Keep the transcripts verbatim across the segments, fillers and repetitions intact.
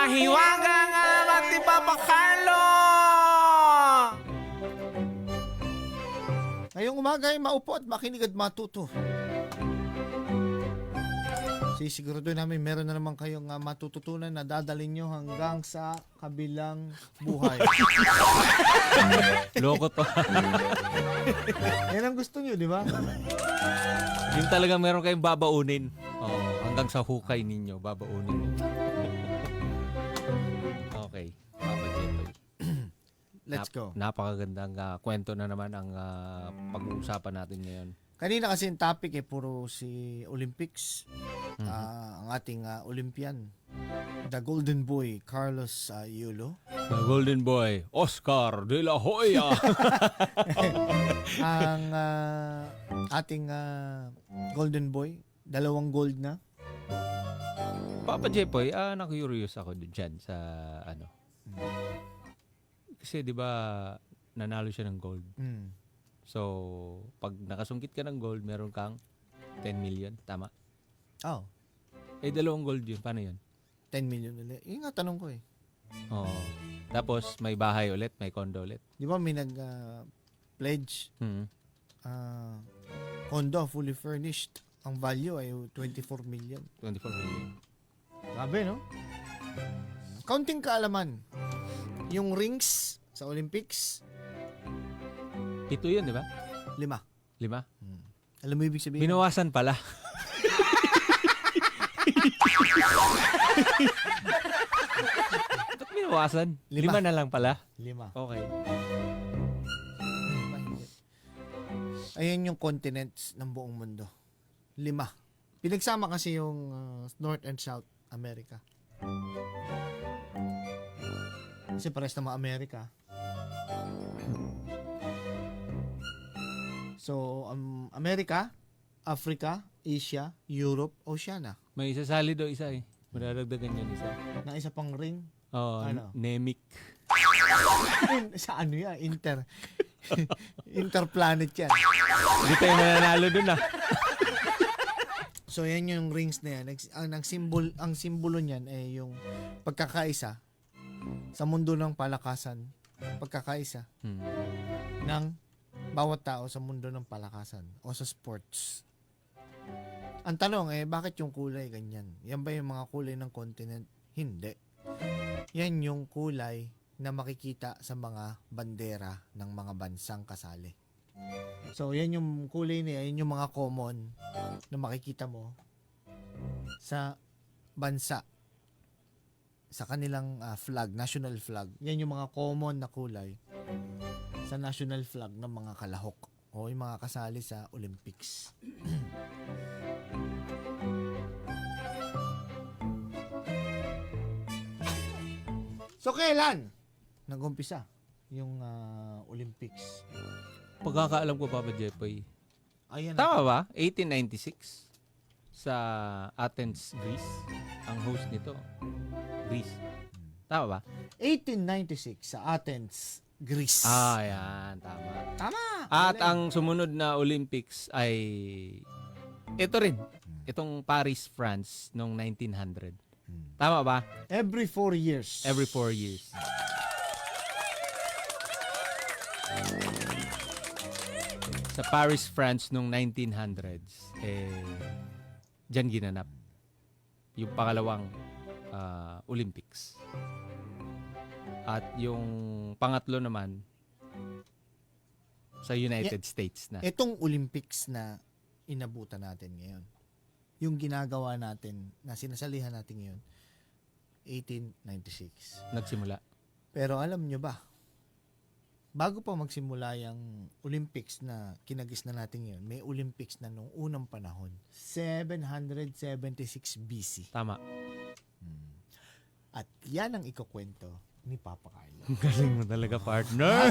Mahiwaga nga mati papakalo! Ngayong umaga ay maupo at makinig at matuto. Sisigurado namin meron na naman kayong uh, matututunan na dadalhin nyo hanggang sa kabilang buhay. Loko to. Yan ang gusto nyo, di ba? Yung talagang meron kayong babaunin. Oh, hanggang sa hukay ninyo, babaunin ninyo. Okay. Papa Jetoy. Let's go. Nap- napakagandang uh, kwento na naman ang uh, pag-uusapan natin ngayon. Kanina kasi yung topic eh, puro si Olympics. Mm-hmm. Uh, ang ating uh, Olympian. The Golden Boy, Carlos uh, Yulo. The Golden Boy, Oscar de la Hoya. Ang uh, ating uh, Golden Boy, dalawang gold na. Papa Jepoy, ah, na-curious ako dyan sa ano. Kasi 'di ba nanalo siya ng gold. Mm. So, pag nakasungkit ka ng gold, meron kang ten million, tama? Oh, Eh dalawang gold 'yun, paano 'yun? ten million ulit. Yun nga tanong ko eh. Oo. Tapos may bahay ulit, may condo ulit. Di ba may nag-pledge Hmm. uh, condo fully furnished. Ang value ay twenty-four million. twenty-four million. Grabe, no? Counting kaalaman. Yung rings sa Olympics, Ito 'yun, 'di ba? lima. Lima. Hmm. Alam mo ibig sabihin? Binawasan pala. Ba't binawasan? Lima. Lima na lang pala. Lima. Okay. Lima, hindi. Ayan yung continents ng buong mundo. Lima. Pinagsama kasi yung uh, North and South America. Kasi pares na mga Amerika. So, um, America, Africa, Asia, Europe, Oceania. May isasali daw isa eh. Madadagdagan yan isa. Na isa pang ring. Oh, Ano? Nemic. Sa ano yan? Inter. Interplanet yan. Hindi tayo mananalo dun ah. So, yan yung rings na yan. Nags- Ang, ang, simbol, ang simbolo niyan ay yung pagkakaisa sa mundo ng palakasan. Pagkakaisa Hmm. ng bawat tao sa mundo ng palakasan o sa sports. Ang tanong eh, bakit yung kulay ganyan? Yan ba yung mga kulay ng continent? Hindi. Yan yung kulay na makikita sa mga bandera ng mga bansang kasali. So, yan yung kulay niya, yan yung mga common na makikita mo sa bansa, sa kanilang uh, flag, national flag. Yan yung mga common na kulay sa national flag ng mga kalahok o yung mga kasali sa Olympics. So, kailan nag-umpisa yung uh, Olympics? Pagkakaalam ko, Papa Jepoy. Ayan Tama ba? eighteen ninety-six sa Athens, Greece. Ang host nito, Greece. Tama ba? eighteen ninety-six sa Athens, Greece. Ah, yan. Tama. Tama. At Galing. ang sumunod na Olympics ay ito rin. Itong Paris, France noong nineteen hundred. Tama ba? Every four years. Every four years. Sa Paris, France noong nineteen hundreds, eh, dyan ginanap yung pangalawang ah, Olympics. At yung pangatlo naman sa United States na. Itong Olympics na inabutan natin ngayon, yung ginagawa natin, na sinasalihan natin ngayon, eighteen ninety-six. Nagsimula. Pero alam nyo ba, bago pa magsimula yung Olympics na kinagis na natin ngayon, may Olympics na nung unang panahon, seven seventy-six B C. Tama. At yan ang ikukwento ni Papa Carlo. Galing mo talaga, partner.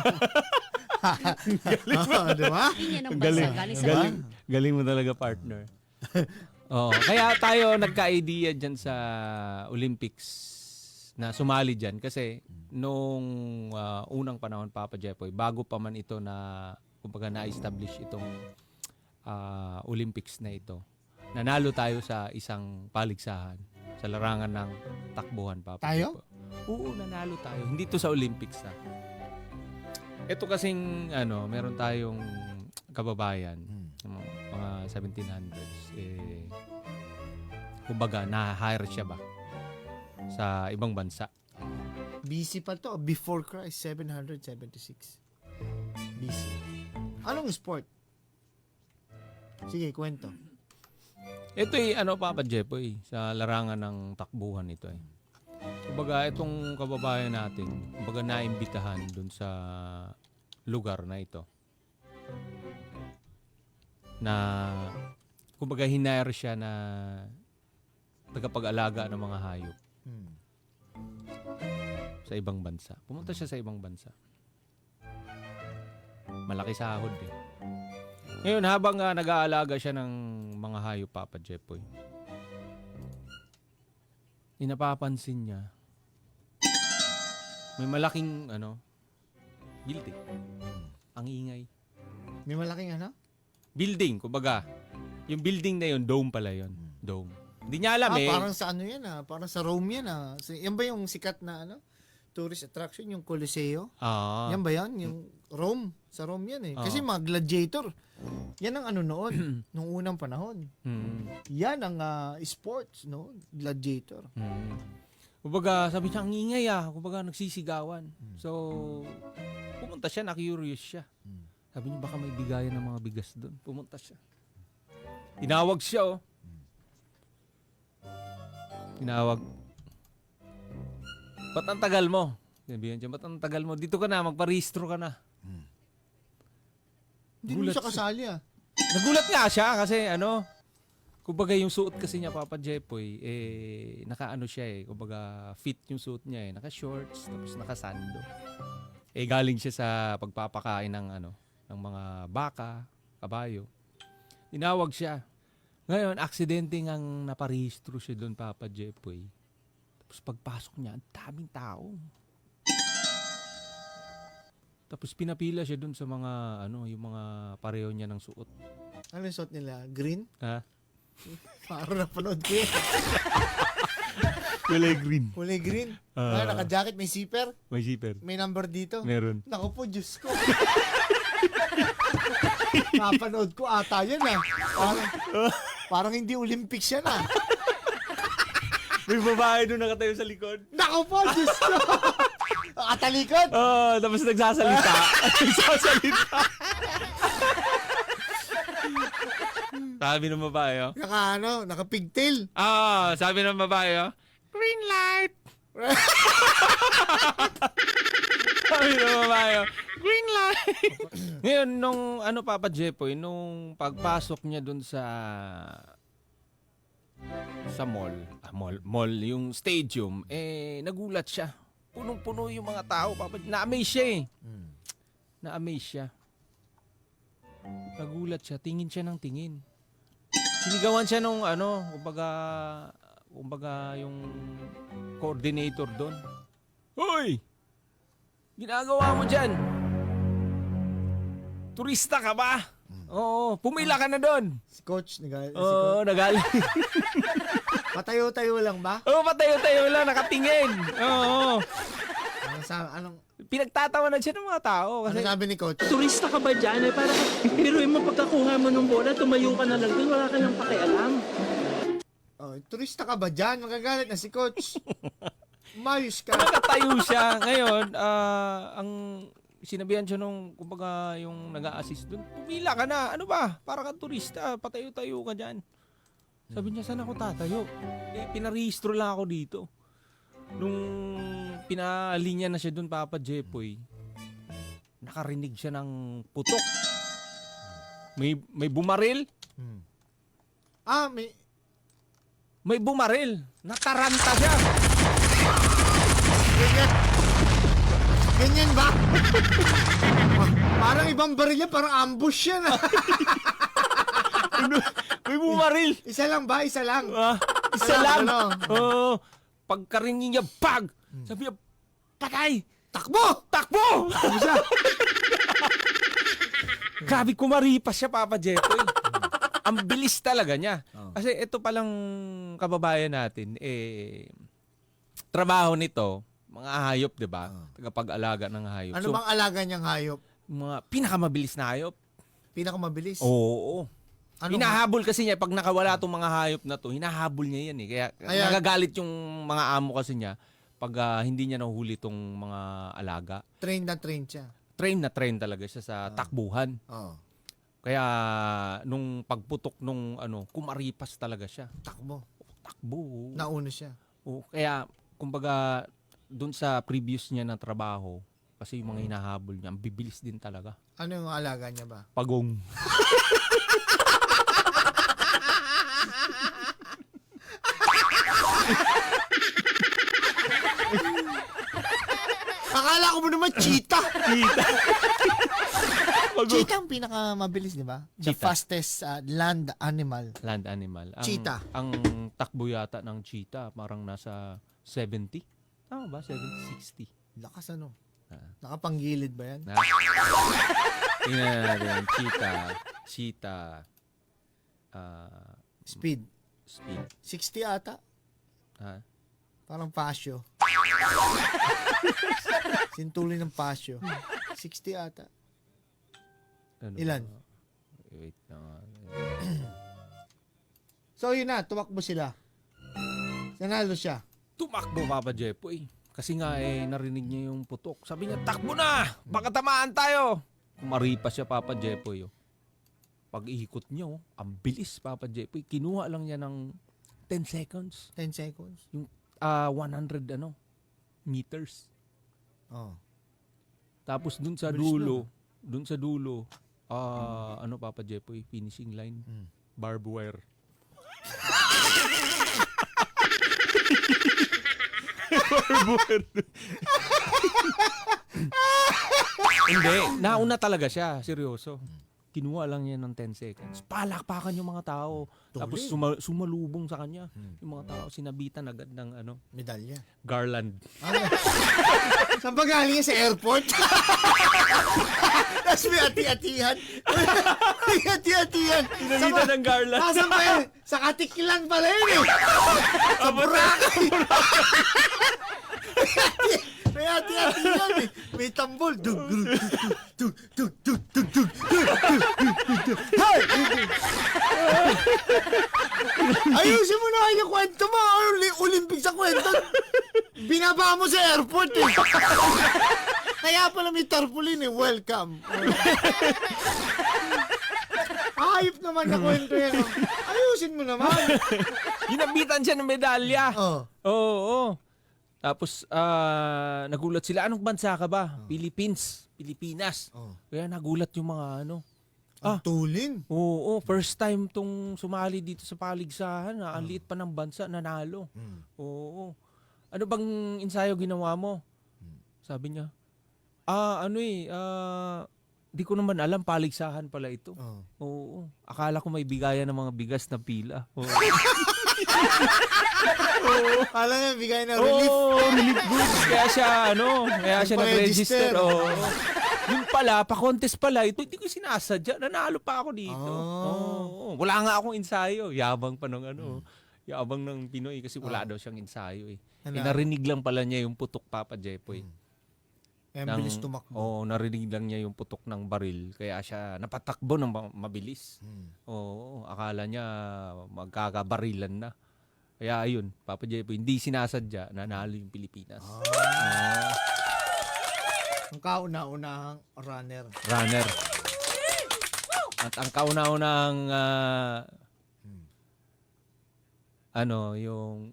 Oh, di ba? Yun yan ang Galing. bansa. Galing sa Galing, galing mo talaga, partner. Oo. Kaya tayo nagka-idea dyan sa Olympics na sumali dyan. Kasi nung ah, unang panahon, Papa Jepoy, bago pa man ito na, kumbaga na-establish itong ah, Olympics na ito, nanalo tayo sa isang paligsahan. sa larangan ng takbuhan, Papa Tayo? Jepo. Oo, nanalo tayo. Hindi to sa Olympics na. Ito kasing ano, meron tayong kababayan, Hmm. mga, mga seventeen hundreds, eh, kumbaga, na-hire siya ba sa ibang bansa. B C pa to. Before Christ, seven seventy-six. B C. Anong sport? Sige, kwento. Ito eh, ano Papa Jepo eh, sa larangan ng takbuhan ito eh. Kumbaga, itong kababayan natin, kumbaga naimbitahan dun sa lugar na ito. Na, kumbaga hinire siya na tagapag-alaga ng mga hayop Hmm. sa ibang bansa. Pumunta siya sa ibang bansa. Malaki sahod eh. Ngayon, habang uh, nag-aalaga siya ng mga hayop, Papa Jepoy, inapapansin niya, may malaking, ano, building. Ang ingay. May malaking ano? Building, kumbaga. Yung building na yun, dome pala yun. Dome. Hindi niya alam Ah, eh. parang sa ano yan ah. Parang sa Rome yan ah. So, yan ba yung sikat na ano? Tourist attraction, yung Coliseo? Ah. Yan ba yan? Yung Rome. Sa Rome yan eh. Ah. Kasi mga gladiator. Yan ang ano noon. nung unang panahon. Hmm. Yan ang ah, sports, no? Gladiator. Hmm. Kumbaga, sabi niya, ang ingay ah. Kumbaga, nagsisigawan. So, pumunta siya, na-curious siya. Hmm. Sabi niya, baka may bigayan ng mga bigas doon. Pumunta siya. Tinawag siya, oh. Tinawag. Ba't ang tagal mo? Sabihan siya, ba't ang tagal mo? Dito ka na, magparehistro ka na. Hindi mo Gulat siya kasali ah. Nagulat nga siya kasi ano, kumbaga yung suot kasi niya, Papa Jepoy, eh, naka-ano siya eh, kumbaga fit yung suot niya eh, naka-shorts, tapos naka-sando. Eh, galing siya sa pagpapakain ng ano, ng mga baka, kabayo. Tinawag siya. Ngayon, aksidente ngang naparehistro siya doon, Papa Jepoy. Tapos pagpasok niya, ang daming tao. Tapos pinapila siya doon sa mga, ano, yung mga pareho niya ng suot. Ano yung suot nila? Green? Ha? Parang napanood ko yun. Kulay green. Kulay green. Ah. Ah, naka-jacket, may zipper. May zipper. May number dito. Meron. Naku po, Diyos ko. Napanood ko ata yan ah. Parang, parang hindi Olympics yan ah. May babae doon nakatayo sa likod. Naku po, Diyos ko. Atalikod. Oh, tapos nagsasalita. nagsasalita. Sabi ng babae, oh. Naka ano, naka pigtail. Ah, sabi ng babae, oh. Green light. sabi ng babae, oh. Green light. Ngayon, nung ano, Papa Jepoy, nung pagpasok niya dun sa sa mall, ah, mall, mall, yung stadium, eh, nagulat siya. Punong-puno yung mga tao, Papa. Na-amaze siya eh. Hmm. Na-amaze siya. Nagulat siya. Tingin siya ng tingin. Sinigawan siya nung ano, kumbaga, kumbaga yung coordinator doon. Hoy! Ginagawa mo dyan? Turista ka ba? Oo, pumila ka na doon. Si coach, nag- si Oo, coach. nagaling. Patayo-tayo lang ba? Oo, patayo-tayo lang, nakatingin. Oo. Ano sa anong Pinagtatawanan siya ng mga tao. ano Kasi sabi ni coach? Turista ka ba dyan? Eh, para, pero yung mapagkakuha mo ng bola, tumayo ka na lang doon, wala ka nang pakialam. Oh, turista ka ba diyan? Magagalit na si coach. Mayos ka. nakatayo siya. Ngayon, ah, ang sinabihan siya nung, kumbaga, yung nag-a-assist doon, pumila ka na. Ano ba? Para kang turista. Patayo-tayo ka dyan. Sabi niya, saan ako tatayo? Eh, pinarehistro lang ako dito. Nung pinalinya na siya doon, Papa Jepoy, nakarinig siya ng putok. May, may bumaril. Hmm. Ah, may May bumaril. Nataranta siya. ganyan. Ganyan ba? Parang ibang baril yan, parang ambush yan. ah. May bumaril. Isa lang ba? Isa lang. Ah, isa Ano, lang. ano? Oo. Pagkarinig niya, bag! Sabi niya, patay! Takbo! Takbo! Ano siya? Grabe, kumaripas siya, Papa Jepoy. Ang bilis talaga niya. Oh. Kasi ito palang kababayan natin, eh, trabaho nito, mga hayop, di ba? Oh. Tagapag-alaga ng hayop. Ano So, bang alaga niyang hayop? mga pinakamabilis na hayop. Pinakamabilis? Oo. Ano Hinahabol kasi niya, pag nakawala itong mga hayop na to, hinahabol niya yan eh. Kaya, Kaya- nagagalit yung mga amo kasi niya pag ah, hindi niya nahuhuli itong mga alaga. Train na train siya. Train na train talaga siya sa takbuhan. Oh. Kaya nung pagputok nung ano, kumaripas talaga siya. Takbo. Takbo. Nauna siya. Oo, kaya kumbaga doon sa previous niya na trabaho, kasi yung mga hinahabol niya, ang bibilis din talaga. Ano yung alaga niya ba? Pagong. Akala ko mo naman cheetah. Cheetah. Pagong. Cheetah ang pinakamabilis, di ba? The Cheetah. fastest uh, land animal. Land animal. Ang, Cheetah. Ang takbo yata ng cheetah, parang nasa seventy. Tama ba? seventy, sixty. Lakas ano? Ah. Nakapanggilid ba yan? Na. Tingnan natin. Cheetah. Cheetah. Ah, Speed. speed. sixty ata. Ha? Parang pasyo. Sintuli ng pasyo. sixty ata. Ano Ilan? ba? Wait lang. ah. So yun na, tumakbo sila. Nanalo siya. Tumakbo Papa Jepoy. Kasi nga eh, narinig niya yung putok. Sabi niya, takbo na! Baka tamaan tayo! Kumaripas siya Papa Jepoy. Oh. Pag-ikot niya, oh, ang bilis Papa Jepoy. Kinuha lang niya ng ten seconds. ten seconds. Ah, one hundred ano, meters. Oh. Tapos dun sa Bilis dulo, dun sa dulo, ah, ano Papa Jepoy, finishing line, Mm. barbed wire. Hindi, nauna talaga siya, seryoso. Kinuha lang niya ng ten seconds. Palakpakan yung mga tao. Tapos suma- sumalubong sa kanya. Yung mga tao, sinabitan agad ng ano, Medalya. garland. Ano? Saan ba galing yan? Sa airport? Tapos may ati-atihan. May ati-atihan. Sinabitan ng garland. Nasaan ba yun? Sa Katiklan pala yun eh. Sa Boracay. May ati-atihan eh. May tambol. Dug, dug, dug, dug, dug, dug, dug, dug, dug. Hey! Ayusin mo na kayo yung kwento mo. Uli- Olympic sa kwento. Binaba mo sa airport eh. Kaya pala may tarpaulin eh. Welcome. Ayop naman na kwento yan. oh. Ayusin mo naman. Ginabitan siya ng medalya. Oh. Oo, oo. Tapos, ah, nagulat sila. Anong bansa ka ba? Philippines. Pilipinas. Oh. Kaya nagulat yung mga ano. Ang Ah. tulin. Oo, first time tong sumali dito sa paligsahan. Ah. Ang liit pa ng bansa, nanalo. Mm. Oo. Ano bang ensayo ginawa mo? Sabi niya, ah, ano eh, ah, di ko naman alam, paligsahan pala ito. Oh. Oo. Akala ko may bigayan ng mga bigas na pila. Oo. Alam niya, bigay na relief. Oo, relief goods. Kaya siya, ano, kaya siya Nagpa-register. nag-register. Oo. Yung pala, pa-contest pala, ito, hindi ko sinasadya. Nanalo pa ako dito. Oh. Oo. Wala nga akong ensayo. Yabang pa ng ano, yabang ng Pinoy kasi wala daw siyang ensayo eh. Ano? Eh, narinig lang pala niya yung putok Papa Jepoy. Kaya Ng- bilis tumakbo. Oo, narinig lang niya yung putok ng baril. Kaya siya napatakbo ng ma- mabilis. Mm. Oo, akala niya magkakabarilan na. Kaya ayun, Papa Jepoy, hindi sinasadya, nanalo yung Pilipinas. Ah, Ang kauna-unahang runner. runner. At ang kauna-unang ah, ano, yung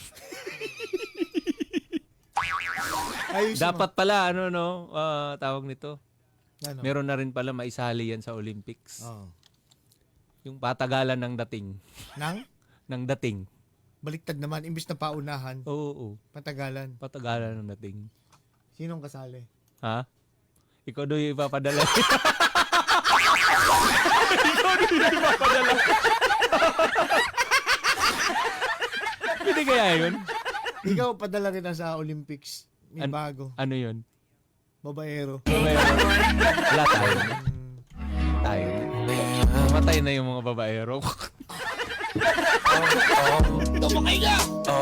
Ayusin dapat pala ano no, ah, tawag nito. mo. Ano? Meron na rin pala maisali yan sa Olympics. Oh. Yung patagalan ng dating, Nang? ng dating. Baliktad naman. Imbis na paunahan. Oo, oo. Patagalan. Patagalan ng dating. Sinong kasali? Ha? Ikaw doon yung ipapadala. Ikaw doon yung ipapadala. Hindi kaya yun? Ikaw, padala rin na sa Olympics. May An- bago. Ano yun? Babaero. Wala tayo. Tayo. Namatay na yung mga babaero. Tumakay ka!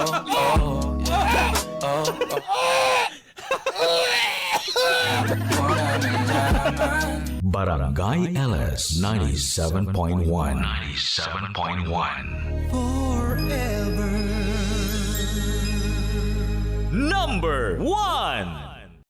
Barangay L S ninety-seven point one. ninety-seven point one. Number one.